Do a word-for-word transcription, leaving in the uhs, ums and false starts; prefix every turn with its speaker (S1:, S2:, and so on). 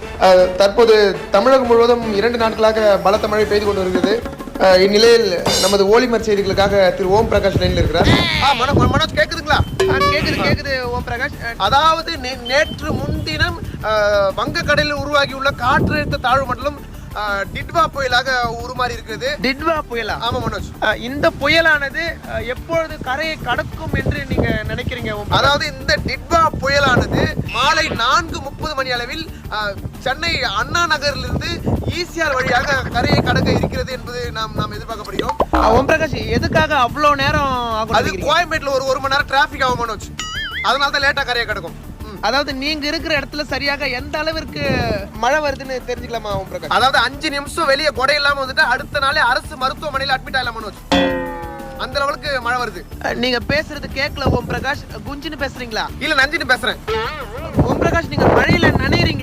S1: தற்போது தமிழகம் முழுவதும் இரண்டு நாட்களாக பலத்த மழை பெய்து கொண்டு வருகிறது. இந்நிலையில் நமது ஓலிமர் செய்திகளுக்காக திரு ஓம் பிரகாஷ் லைன்ல இருக்கிறார்.
S2: மனோஜ் கேக்குதுங்களா?
S1: கேக்குது கேக்குது ஓம் பிரகாஷ்.
S2: அதாவது நேற்று முன்தினம் வங்கக்கடலில் உருவாகியுள்ள காற்றழுத்த தாழ்வு மண்டலம் டிட்வா புயலாக உருமாறி இருக்கிறது.
S1: டிட்வா புயலா?
S2: ஆமா மனோஜ்.
S1: இந்த புயலானது எப்பொழுது கரையை கடக்கும் என்று நீங்க நினைக்கிறீங்க?
S2: அதாவது இந்த டிட்வா புயலானது மாலை நான்கு முப்பது மணி அளவில் சென்னை அண்ணா நகரிலிருந்து ஈசிஆர் வழியாக கரையை கடக்க இருக்கிறது என்பது நாம் நாம் எதிர்பார்க்கப்படுகிறோம்.
S1: ஓம் பிரகாஷ், எதுக்காக அவ்வளவு நேரம் ஆகும்?
S2: அது கோயம்பேட்டில் ஒரு ஒரு மணி நேரம் டிராபிக் ஆகும் மனோஜ். அதனால தான் லேட்டா கரையை கடக்கும்.
S1: அதாவது நீங்க இருக்கிற இடத்துல சரியாக எந்த அளவிற்கு மழை வருதுன்னு தெரிஞ்சுக்கலாமா ஓம் பிரகாஷ்?
S2: அதாவது அஞ்சு நிமிஷம் வெளியே கொடை இல்லாம வந்துட்டு அடுத்த நாளே அரசு மருத்துவமனையில் அட்மிட் ஆகலாம் மனோஜ். அந்த லெவலுக்கு மழை வருது.
S1: நீங்க பேசுறது கேட்கல ஓம் பிரகாஷ். குஞ்சுன்னு பேசுறீங்களா?
S2: இல்ல நஞ்சின்னு பேசுறேன்.
S1: ஓம் பிரகாஷ், நீங்க மழையில நனையறீங்க.